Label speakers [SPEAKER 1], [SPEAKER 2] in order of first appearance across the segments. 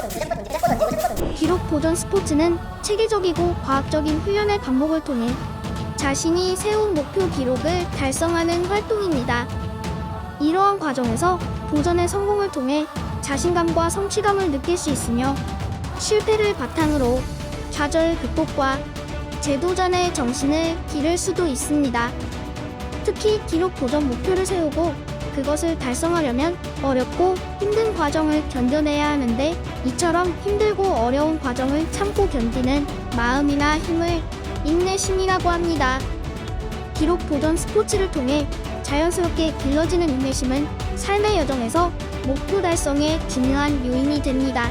[SPEAKER 1] 기록 보존 스포츠는 체계적이고 과학적인 훈련의 반복을 통해 자신이 세운 목표 기록을 달성하는 활동입니다. 이러한 과정에서 도전의 성공을 통해 자신감과 성취감을 느낄 수 있으며 실패를 바탕으로 좌절 극복과 재도전의 정신을 기를 수도 있습니다. 특히 기록 도전 목표를 세우고 그것을 달성하려면 어렵고 힘든 과정을 견뎌내야 하는데 이처럼 힘들고 어려운 과정을 참고 견디는 마음이나 힘을 인내심이라고 합니다. 기록 도전 스포츠를 통해 자연스럽게 길러지는 인내심은 삶의 여정에서 목표 달성에 중요한 요인이 됩니다.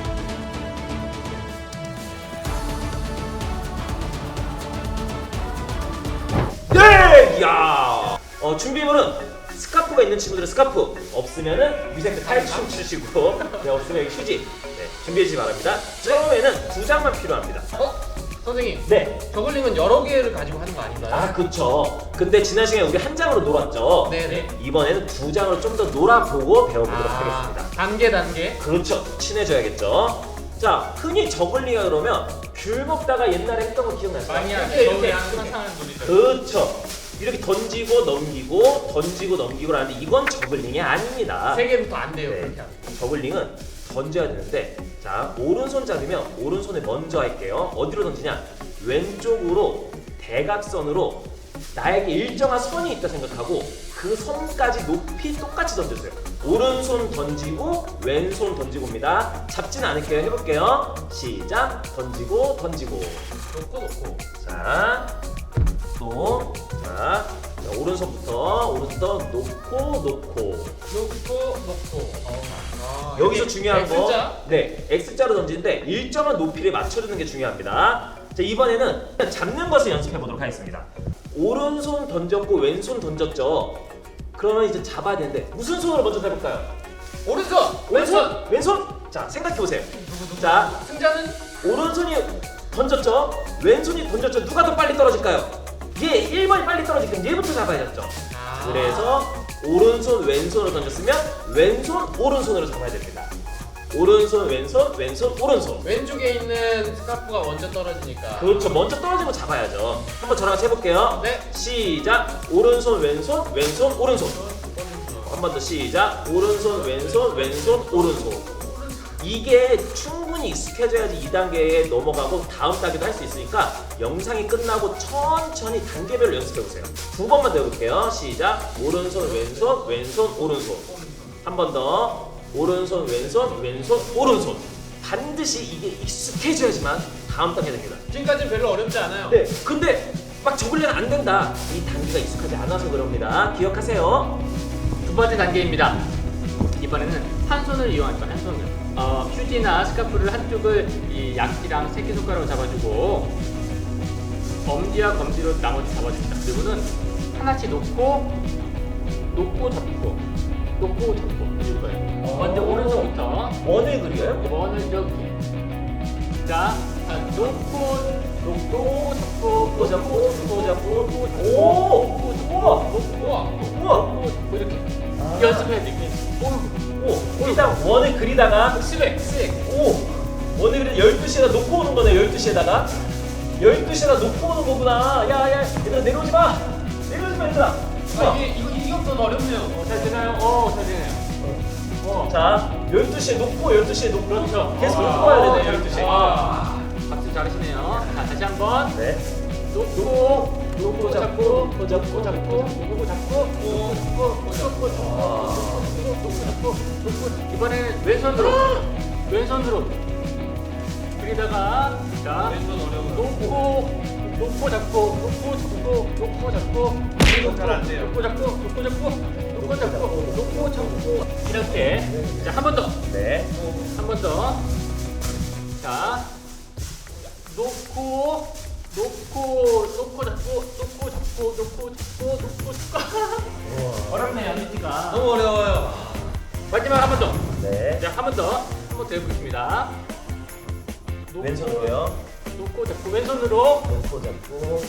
[SPEAKER 2] 네! 야! 준비물은 스카프가 있는 친구들은 스카프, 없으면은 위생대 탈춤 추시고, 네, 없으면 여기 휴지. 네, 준비해 주시기 바랍니다. 처음에는 2장만 필요합니다.
[SPEAKER 3] 선생님.
[SPEAKER 2] 네.
[SPEAKER 3] 저글링은 여러 개를 가지고 하는 거 아닌가요?
[SPEAKER 2] 아, 그쵸. 근데 지난 시간에 우리 한 장으로 놀았죠?
[SPEAKER 3] 네네.
[SPEAKER 2] 이번에는 2장으로 좀 더 놀아보고 배워보도록 하겠습니다.
[SPEAKER 3] 단계.
[SPEAKER 2] 그렇죠. 친해져야겠죠. 자, 흔히 저글링이라 그러면 귤 먹다가 옛날에 했던 거 기억나요?
[SPEAKER 3] 많이 하죠.
[SPEAKER 2] 이렇게
[SPEAKER 3] 항상 하는 놀이죠.
[SPEAKER 2] 그렇죠. 이렇게 던지고 넘기고 라는데 이건 저글링이 아닙니다.
[SPEAKER 3] 3개부터 안 돼요.
[SPEAKER 2] 네.
[SPEAKER 3] 그렇게 하면.
[SPEAKER 2] 저글링은 던져야 되는데, 자, 오른손 잡으면 오른손에 먼저 할게요. 어디로 던지냐? 왼쪽으로 대각선으로 나에게 일정한 선이 있다 생각하고 그 선까지 높이 똑같이 던져주세요. 오른손 던지고 왼손 던지고입니다. 잡지는 않을게요. 해볼게요. 시작. 던지고
[SPEAKER 3] 놓고.
[SPEAKER 2] 자, 또, 자, 오른손부터 놓고. 여기서 중요한 거,
[SPEAKER 3] X자?
[SPEAKER 2] 네, X자로 던지는데 일정한 높이를 맞춰주는 게 중요합니다. 자, 이번에는 잡는 것을 연습해 보도록 하겠습니다. 오른손 던졌고 왼손 던졌죠. 그러면 이제 잡아야 되는데 무슨 손으로 먼저 해볼까요?
[SPEAKER 3] 오른손.
[SPEAKER 2] 왼손. 자, 생각해 보세요. 자,
[SPEAKER 3] 승자는
[SPEAKER 2] 오른손이 던졌죠. 왼손이 던졌죠. 누가 더 빨리 떨어질까요? 얘 1번이 빨리 떨어지니까 얘부터 잡아야겠죠. 그래서 오른손 왼손으로 던졌으면 왼손 오른손으로 잡아야 됩니다. 오른손 왼손 오른손.
[SPEAKER 3] 왼쪽에 있는 스카프가 먼저 떨어지니까.
[SPEAKER 2] 그렇죠. 먼저 떨어진 거 잡아야죠. 한번 저랑 같이 해볼게요.
[SPEAKER 3] 네.
[SPEAKER 2] 시작. 오른손 왼손 오른손. 한 번 더 시작. 오른손 왼손 오른손. 이게 충분히 익숙해져야지 2단계에 넘어가고 다음 단계도 할 수 있으니까 영상이 끝나고 천천히 단계별로 연습해보세요. 2번만 더 해볼게요. 시작. 오른손 왼손 오른손. 한 번 더. 오른손 왼손 오른손. 반드시 이게 익숙해져야지만 다음 단계 됩니다.
[SPEAKER 3] 지금까지는 별로 어렵지 않아요.
[SPEAKER 2] 네, 근데 막 저글링은 안 된다. 이 단계가 익숙하지 않아서 그럽니다. 기억하세요.
[SPEAKER 4] 두 번째 단계입니다. 이번에는 한 손을 이용할까 한 손을. 휴지나 스카프를 한쪽을 이 약지랑 새끼손가락으로 잡아주고 엄지와 검지로 나머지 잡아줍니다. 그리고는 하나씩 놓고 잡고 해줄 거예요. 먼저 오른손부터
[SPEAKER 2] 원을 그려요?
[SPEAKER 4] 원을 이렇게. 자, 놓고 잡고
[SPEAKER 2] 우와.
[SPEAKER 4] 이렇게 연습해야 돼.
[SPEAKER 2] 일단 원을 그리다가
[SPEAKER 3] 스웩.
[SPEAKER 2] 원을 그리다 12시에다 놓고 오는 거네. 12시에다가 12시에다 놓고 오는 거구나. 야 얘들아 내려오지 마 얘들아.
[SPEAKER 3] 이것도 어렵네요.
[SPEAKER 4] 잘 되나요? 잘 되네요.
[SPEAKER 2] 자, 12시에 놓고
[SPEAKER 4] 그렇죠.
[SPEAKER 2] 계속 놓고 가야 되네. 12시에.
[SPEAKER 4] 박수 잘하시네요. 자, 다시 한번.
[SPEAKER 2] 네.
[SPEAKER 4] 놓고 잡고 이번에는 왼손으로 그리다가 자
[SPEAKER 3] 왼손 어려워요.
[SPEAKER 4] 놓고 잡고
[SPEAKER 3] 이건 잘안 돼요.
[SPEAKER 4] 놓고 잡고 이렇게 자 한 번 더.
[SPEAKER 2] 네.
[SPEAKER 4] 한 번 더. 자, 놓고 잡고. 어렵네요, 미티가.
[SPEAKER 3] 너무 어려워요.
[SPEAKER 4] 마지막 한 번 더.
[SPEAKER 2] 네.
[SPEAKER 4] 자, 한 번 더 해보겠습니다.
[SPEAKER 2] 왼손으로요.
[SPEAKER 4] 놓고 잡고, 왼손으로.
[SPEAKER 2] 놓고 잡고.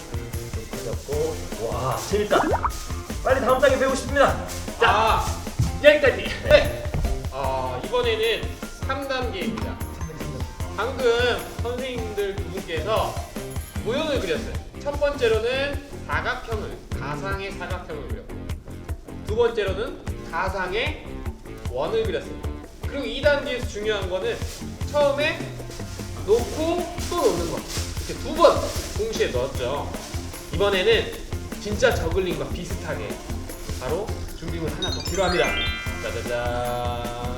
[SPEAKER 2] 와, 재밌다. 빨리 다음 단계 배우고 싶습니다.
[SPEAKER 3] 자,
[SPEAKER 4] 여기까지.
[SPEAKER 3] 네. 이번에는 3단계입니다. 방금 선생님들 두 분께서 모형을 그렸어요. 첫 번째로는 가상의 사각형을 그렸고, 두 번째로는 가상의 원을 그렸어요. 그리고 2단계에서 중요한 거는 처음에 놓고 또 놓는 거. 이렇게 두 번 동시에 넣었죠. 이번에는 진짜 저글링과 비슷하게 바로 준비물 하나 더 필요합니다. 짜자잔.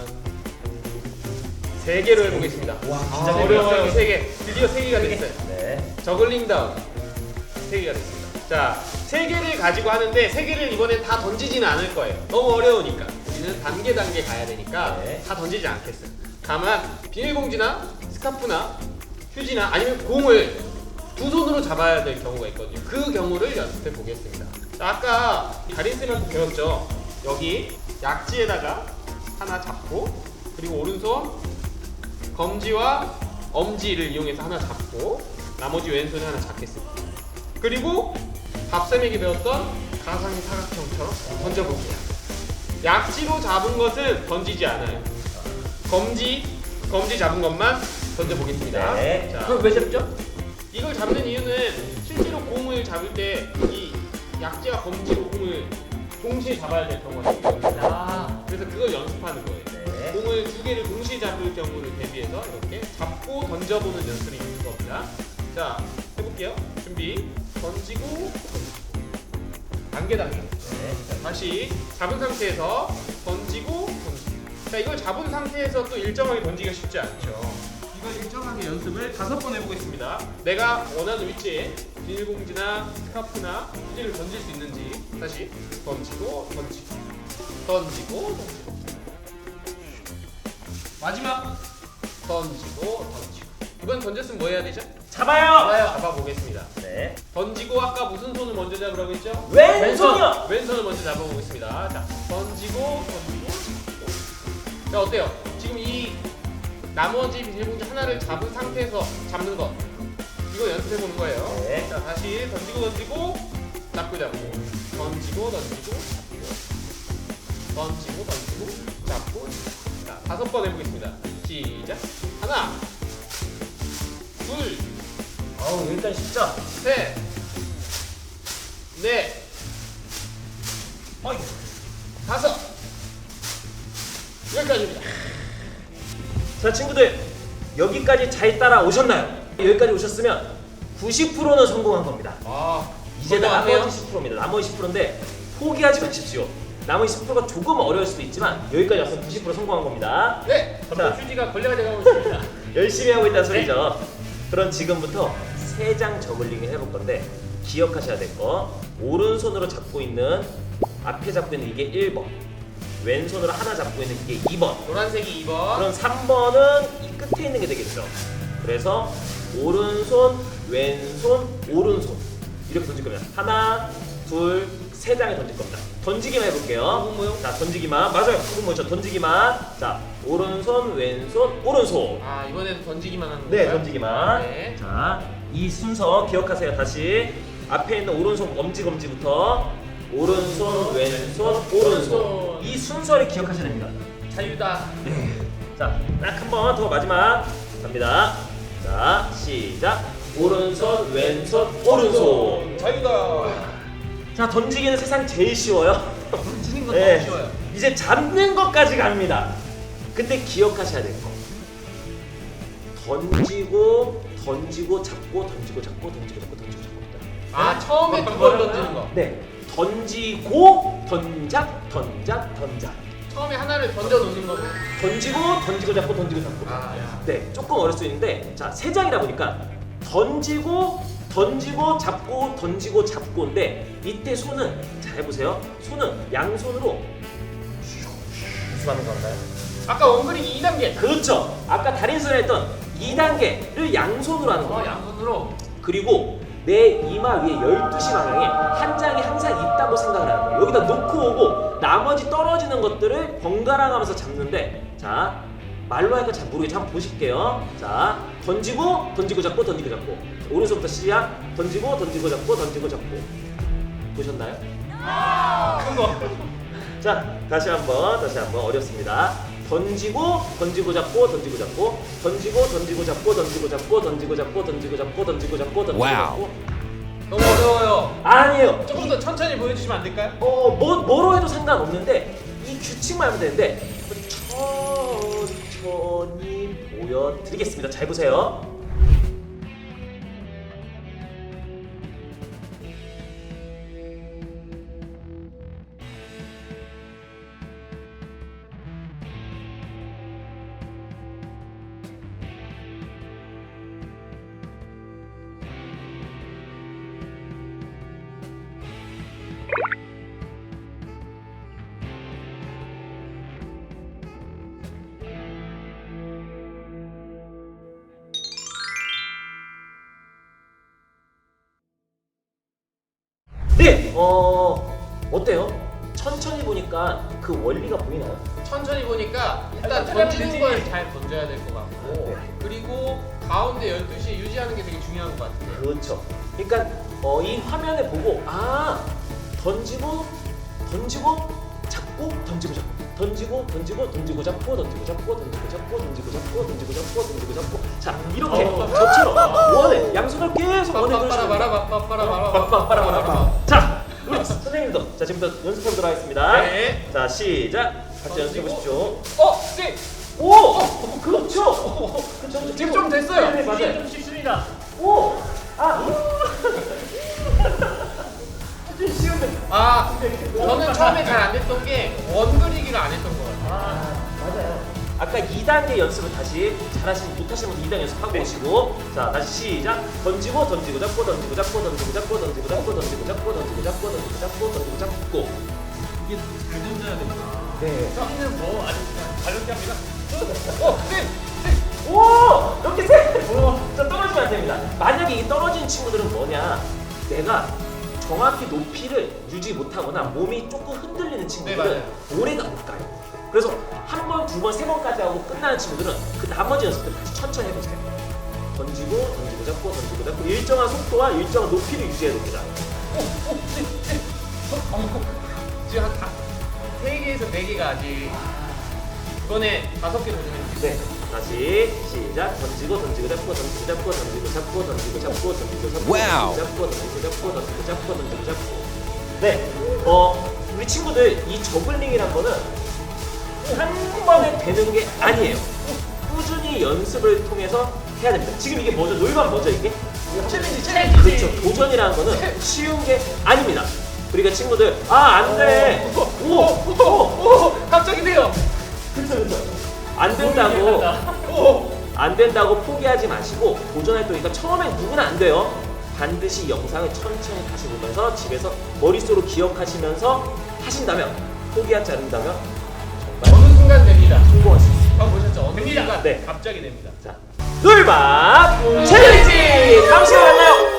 [SPEAKER 3] 3개로 해보겠습니다.
[SPEAKER 2] 와,
[SPEAKER 3] 아,
[SPEAKER 2] 진짜
[SPEAKER 3] 어려워요. 3개. 드디어 3개가 됐어요.
[SPEAKER 2] 네.
[SPEAKER 3] 저글링 다운 3개가 됐습니다. 자, 3개를 가지고 하는데 3개를 이번엔 다 던지지는 않을 거예요. 너무 어려우니까. 우리는 단계 가야 되니까
[SPEAKER 2] 네.
[SPEAKER 3] 다 던지지 않겠어요. 다만 비닐봉지나 스카프나 휴지나 아니면 공을 두 손으로 잡아야 될 경우가 있거든요. 그 경우를 연습해 보겠습니다. 자, 아까 다린쌤한테 배웠죠. 여기 약지에다가 하나 잡고, 그리고 오른손 검지와 엄지를 이용해서 하나 잡고, 나머지 왼손에 하나 잡겠습니다. 그리고 밥쌤에게 배웠던 가상의 사각형처럼 던져볼게요. 약지로 잡은 것은 던지지 않아요. 검지 잡은 것만 던져보겠습니다.
[SPEAKER 2] 네.
[SPEAKER 3] 자,
[SPEAKER 2] 그럼 왜 잡죠?
[SPEAKER 3] 이걸 잡는 이유는 실제로 공을 잡을 때 이 약지와 검지로 공을 동시에 잡아야 될 경우가 있거든요.
[SPEAKER 4] 아,
[SPEAKER 3] 그래서 그걸 연습하는 거예요.
[SPEAKER 2] 네.
[SPEAKER 3] 공을 2개를 동시에 잡을 경우를 대비해서 이렇게 잡고 던져보는 연습이 있는 겁니다. 자, 해볼게요. 준비. 던지고. 단계.
[SPEAKER 2] 네.
[SPEAKER 3] 자, 다시 잡은 상태에서 던지고. 자, 이걸 잡은 상태에서 또 일정하게 던지기가 쉽지 않죠. 이걸 일정하게 연습을 5번 해보겠습니다. 내가 원하는 위치에 비닐봉지나 스카프나 휴지를 던질 수 있는지. 다시 던지고. 마지막 던지고. 이번 던졌으면 뭐 해야 되죠?
[SPEAKER 2] 잡아요.
[SPEAKER 3] 잡아보겠습니다.
[SPEAKER 2] 네.
[SPEAKER 3] 던지고 아까 무슨 손을 먼저 잡으라고 했죠?
[SPEAKER 2] 왼손이요.
[SPEAKER 3] 왼손을 먼저 잡아보겠습니다. 자, 던지고. 자, 어때요? 지금 이 나머지 비닐봉지 하나를 잡은 상태에서 잡는 거, 이거 연습해보는 거예요.
[SPEAKER 2] 네.
[SPEAKER 3] 자, 다시 던지고 잡고 던지고 잡고. 자, 5번 해보겠습니다. 시작. 하나, 둘,
[SPEAKER 2] 아우, 일단 쉽죠?
[SPEAKER 3] 셋, 넷,
[SPEAKER 2] 어이.
[SPEAKER 3] 5. 여기까지입니다.
[SPEAKER 2] 자, 친구들, 여기까지 잘 따라오셨나요? 여기까지 오셨으면 90%는 성공한 겁니다. 이제
[SPEAKER 3] 성공하네요.
[SPEAKER 2] 나머지 10%입니다. 나머지 10%인데 포기하지 마십시오. 나머지 10%가 조금 어려울 수도 있지만 여기까지 왔으면 90% 성공한 겁니다.
[SPEAKER 3] 네,
[SPEAKER 2] 자.
[SPEAKER 3] 휴지가 걸레가 돼가고 있습니다.
[SPEAKER 2] 열심히 하고 있다는 소리죠. 그럼 지금부터 3장 저글링을 해볼 건데 기억하셔야 될 거, 오른손으로 잡고 있는, 앞에 잡고 있는 이게 1번, 왼손으로 하나 잡고 있는 이게 2번,
[SPEAKER 3] 노란색이 2번.
[SPEAKER 2] 그럼 3번은 이 끝에 있는 게 되겠죠. 그래서 오른손, 왼손, 오른손 이렇게 던질 겁니다. 하나, 둘, 3장에 던질 겁니다. 던지기만 해볼게요.
[SPEAKER 3] 구분 모형?
[SPEAKER 2] 자, 던지기만. 맞아요. 구분 모션 던지기만. 자, 오른손, 왼손, 오른손.
[SPEAKER 3] 이번에는 던지기만 하는
[SPEAKER 2] 네,
[SPEAKER 3] 건가요?
[SPEAKER 2] 던지기만.
[SPEAKER 3] 네.
[SPEAKER 2] 자, 이 순서 기억하세요. 다시 앞에 있는 오른손 검지부터 오른손, 왼손, 오른손. 이 순서를 기억하셔야 됩니다.
[SPEAKER 3] 자유다.
[SPEAKER 2] 자, 딱 한 번 더 마지막 갑니다. 자, 시작. 오른손, 왼손, 오른손.
[SPEAKER 3] 자유다.
[SPEAKER 2] 자, 던지기는 세상 제일 쉬워요.
[SPEAKER 3] 던지는 건
[SPEAKER 2] 네.
[SPEAKER 3] 너무 쉬워요.
[SPEAKER 2] 이제 잡는 것까지 갑니다. 근데 기억하셔야 될 거. 던지고 잡고 던지고 잡고 잡니다.
[SPEAKER 3] 처음에 두 번 던지는 거.
[SPEAKER 2] 네. 던지고 던작.
[SPEAKER 3] 처음에 하나를 던져 놓는 거로.
[SPEAKER 2] 던지고 던지고 잡고 던지고 잡고.
[SPEAKER 3] 아, 야.
[SPEAKER 2] 네, 조금 어려울 수 있는데 자, 세 장이다 보니까 던지고 잡고 던지고 잡고인데 이때 손은 자 해보세요. 손은 양손으로 무수하는 건가요?
[SPEAKER 3] 아까 원그리기 2단계.
[SPEAKER 2] 그렇죠. 아까 달인선에 했던 2단계를 양손으로 하는 거예요.
[SPEAKER 3] 양손으로.
[SPEAKER 2] 그리고 내 이마 위에 12시 방향에 한 장이 항상 있다고 생각을 하는 거예요. 여기다 놓고 오고 나머지 떨어지는 것들을 번갈아 가면서 잡는데 자 말로 하니까 잘 모르겠죠. 한번 보실게요. 자 던지고 잡고 던지고 잡고 오른손부터 시작. 던지고 잡고 던지고 잡고 보셨나요?
[SPEAKER 3] 큰 거.
[SPEAKER 2] 자 다시 한번 어렵습니다. 던지고 잡고 던지고 잡고 던지고 잡고 던지고 잡고 던지고 잡고 던지고 잡고 던지고 잡고 던지고 잡고
[SPEAKER 3] 너무 어려워요.
[SPEAKER 2] 아니에요.
[SPEAKER 3] 조금 더 천천히 보여주시면 안 될까요?
[SPEAKER 2] 뭐로 해도 상관없는데 이 규칙만 하면 되는데 천천히 보여드리겠습니다. 잘 보세요. 네, 어때요? 천천히 보니까 그 원리가 보이나요?
[SPEAKER 3] 천천히 보니까 일단
[SPEAKER 4] 천천히
[SPEAKER 3] 던지는
[SPEAKER 4] 하면
[SPEAKER 3] 걸
[SPEAKER 4] 되지.
[SPEAKER 3] 잘 던져야 될 것 같고
[SPEAKER 2] 네.
[SPEAKER 3] 그리고 가운데 12시에 유지하는 게 되게 중요한 것 같아요.
[SPEAKER 2] 그렇죠. 그러니까 이 화면에 보고 던지고 잡고 던지고 잡고 던지고 잡고 던지고 잡고 자 이렇게 저처럼 원을 양손을 계속 원을 그리시면
[SPEAKER 3] 빠라바라바라바라바라바라.
[SPEAKER 2] 자 우리 선생님도 자 지금부터 연습해 보도록 하겠습니다.
[SPEAKER 3] 네.
[SPEAKER 2] 자 시작. 같이 연습해 보십시오.
[SPEAKER 3] 네.
[SPEAKER 2] 오 그렇죠. 그렇죠.
[SPEAKER 3] 지금 좀 됐어요.
[SPEAKER 2] 네,
[SPEAKER 4] 이게
[SPEAKER 2] 맞아요.
[SPEAKER 4] 좀 쉽습니다.
[SPEAKER 2] 오
[SPEAKER 3] 저는 처음에 잘 안 됐던 게 원그리기를 안 했던 것 같아요.
[SPEAKER 2] 맞아요. 아까 2단계 연습을 다시 잘하시는 못하시는 분 2단계 연습하고 오시고 자 다시 시작. 던지고 잡고 던지고 잡고 던지고 잡고 던지고 잡고 던지고 잡고 던지고 잡고 던지고 잡고 던지고 잡고
[SPEAKER 4] 이게 잘 던져야 됩니다.
[SPEAKER 2] 네.
[SPEAKER 4] 여기는 뭐 아주 가볍게 합니다.
[SPEAKER 2] 오 이렇게 자 떨어지면 안 됩니다. 만약에 이 떨어지는 친구들은 뭐냐 내가 정확히 높이를 유지 못하거나 몸이 조금 흔들리는 친구들은
[SPEAKER 3] 네,
[SPEAKER 2] 오래가 못 가요. 그래서 한 번, 두 번, 세 번까지 하고 끝나는 친구들은 그 나머지 연습들 다시 천천히 해보세요. 던지고 잡고 일정한 속도와 일정한 높이를 유지해야 됩니다.
[SPEAKER 3] 지금 한 3개에서 4개가 아직 이번에 5개 도전했어요.
[SPEAKER 2] 네, 다시 시작. 던지고 잡고 던지고 잡고 던지고 잡고 던지고 잡고 던지고 잡고
[SPEAKER 5] 와우.
[SPEAKER 2] 던지고 잡고 던지고 잡고 던지고 잡고. 네, 우리 친구들 이 저글링이란 거는 한 번에 되는 게 아니에요. 꾸준히 연습을 통해서 해야 됩니다. 지금 이게 뭐죠? 놀만 뭐죠 이게?
[SPEAKER 3] 챌린지.
[SPEAKER 2] 그렇죠. 도전이라는 거는 쉬운 게 아닙니다. 그러니까 친구들 안 돼.
[SPEAKER 3] 갑자기 돼요.
[SPEAKER 2] 그렇죠. 안 된다고 포기하지 마시고 도전할 때니까 처음엔 누구나 안 돼요. 반드시 영상을 천천히 다시 보면서 집에서 머릿속으로 기억하시면서 하신다면 포기하지 않는다면
[SPEAKER 3] 어느 순간 됩니다.
[SPEAKER 2] 성공할 수 있어요.
[SPEAKER 3] 방금 보셨죠? 어느
[SPEAKER 4] 됩니다.
[SPEAKER 3] 순간
[SPEAKER 2] 네.
[SPEAKER 3] 갑자기 됩니다.
[SPEAKER 2] 자, 놀밥 챌린지 다음 시간에 만나요.